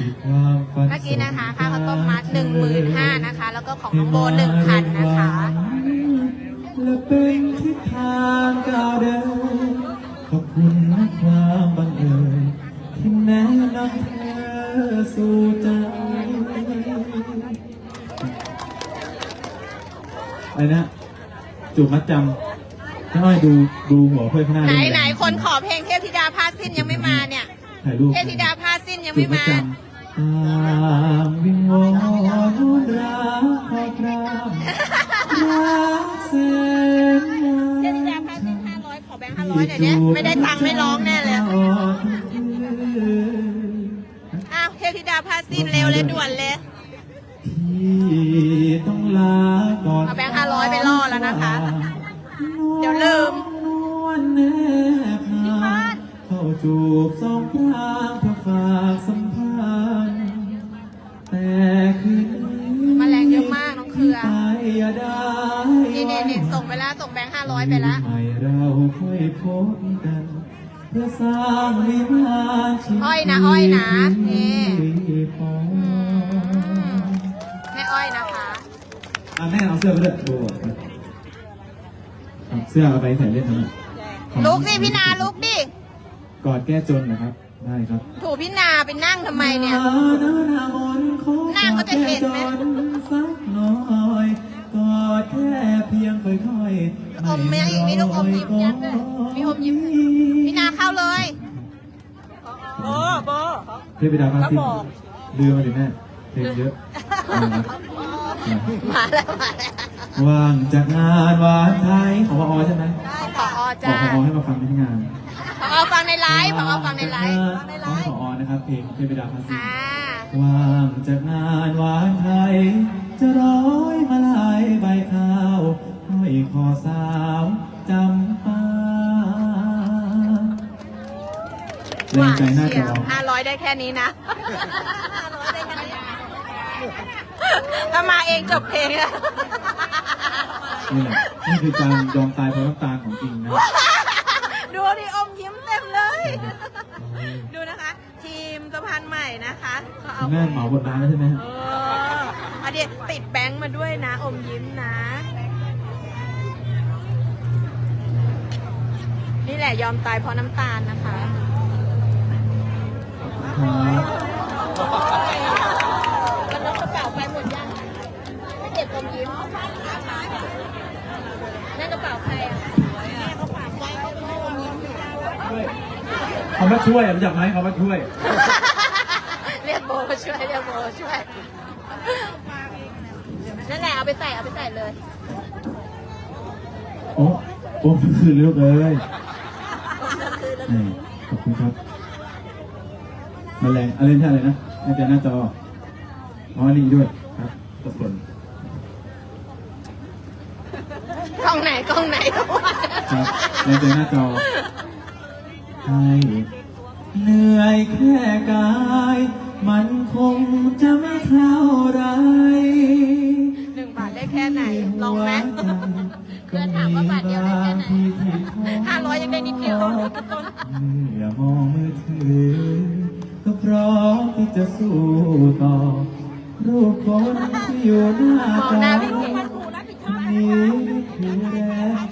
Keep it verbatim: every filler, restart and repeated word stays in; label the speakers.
Speaker 1: เมื่อกี้นะคะค่าข้าวต้มมัดหนึ่งหมื่นห้านะคะ แล้วก็ของน้องโบหนึ่งพันนะคะ
Speaker 2: และเป็นทิศทางก้าวเดินขอบคุณนะความบังเอิญที่แนะนำเธอสู่ใจอะไรนะจูบมัดจำถ้าอ้อยดูดูหัวเพื่อนข้างหน้า
Speaker 1: ไหนไหนคนขอเพลงเทพธิดาผ้าสิ้นยังไม่มาเนี่ยเทพธิดาผ้าสิ้นยังไม่มา
Speaker 2: ตามวิงวอนรักพอกรามรักเส้น
Speaker 1: เทพธิดาผ้าสิ้นห้าร้อยขอแบงค์ห้าร้อยหน่อยเนี่ยไม่ได้ตังค์ไม่ร้องแน่เลยอ้าวเทพธิดาผ้าสิ้นเร็วเลยด่วนเลย
Speaker 2: ที่ต้องลาก่อน
Speaker 1: เอาแบงค์ห้าร้อยไปล่อแล้วนะคะเดี๋ยวลืม
Speaker 2: เข้าจูบสองพรางเพื่อฝากสัมพันธ์แต่คืนนี้
Speaker 1: มาแรงเยอะมากน้องเครือนี่
Speaker 2: นี่
Speaker 1: นี่ส่งไปแล้วส่งแบงค์ห้าร้อยไปแล้ว
Speaker 2: เราค่อยพบกันเพื่อสร้างวิมานชีวิต
Speaker 1: อ้อยนะอ้อยนะนี่แม่อ้อยนะคะ
Speaker 2: อ่ะแม่เอาเสื้อไปด้วยดูเสื้อเอาไปใส่เล่นนะ
Speaker 1: ลุกสิพี่นาลุกดิ
Speaker 2: กอดแก้จนนะครับได้ครับ
Speaker 1: ถูพี่นาไปนั่งทำไมเนี่ยนั่งก็จะเห็นไหม
Speaker 2: สักหน่อยกอดแค่เพียงค่อยๆ
Speaker 1: อมไม่อีกมีลูกอมยิ้มยัดด้วยมีอมยิ้มพี่นาเข้าเลยโบโบ
Speaker 2: เทพดาพาสิลืมมาดิแม่เพลงเยอะ
Speaker 1: มาแล้วมาแล้ว
Speaker 2: ว่างจากงานวานไทยของพอใช่ไหม
Speaker 1: ขออจ้า
Speaker 2: ขอให้มาฟังที่งาน
Speaker 1: ขอฟังในไลฟ์ขอฟังในไลฟ์
Speaker 2: ของขอนะครับเพลงเทพดาพาสิว่างจากงานวานไทยจะร้อยมาลายใบข้าวห้อยคอสาวจำปาแรงใจน่าจะ
Speaker 1: ห้าร้อยได้แค่นี้นะถ้ามาเองจบเพลงแล้ว
Speaker 2: นี่แหละนี่คือการยอมตายเพราะน้ำตาของจริงนะ
Speaker 1: ดูดิอมยิ้มเต็มเลยดูนะคะทีมสะพานใหม่นะคะ
Speaker 2: เขาเอาแม่เหมาบทร้านแล้วใช่ไหม
Speaker 1: เออเอาดิติดแบงค์มาด้วยนะอมยิ้มนะนี่แหละยอมตายเพราะน้ำตาลนะคะมันเอากระเป๋าไปหมดยังไม่เก็บอมยิ้มนั่นกระเป๋าใครอ่ะแม่เขาฝากไว้เขาเป็นอมยิ้มอยู่
Speaker 2: เขามาช่วยรู้จักไหมเขามาช่วย
Speaker 1: เรียกโบช่วยเรียกโบช่วยนั่นแหละเอาไปใส่เอาไปใส่เลย
Speaker 2: โอ้โอ้คือลูกเลยนี่ขอบคุณครับมาแรงอะไรท่าอะไรนะในใจหน้าจออ๋อนี่ด้วยครับทุกคน
Speaker 1: กล้องไหนกล้องไหน
Speaker 2: ครับในใจหน้าจอให้เหนื่อยแค่กายมันคงจะไม่เท่าไร
Speaker 1: หนึ่งบาทได้แค่ไหนลองไหมเพื่อนถามว่าบาทเดียวได้แค่ไหนห้าร้อยยังได้นิดเดียวต้น
Speaker 2: อย่ามองมือถือก็พร้อมที่จะสู้ต่อรูปคนที่อยู่หน้าจอนี้คือแรง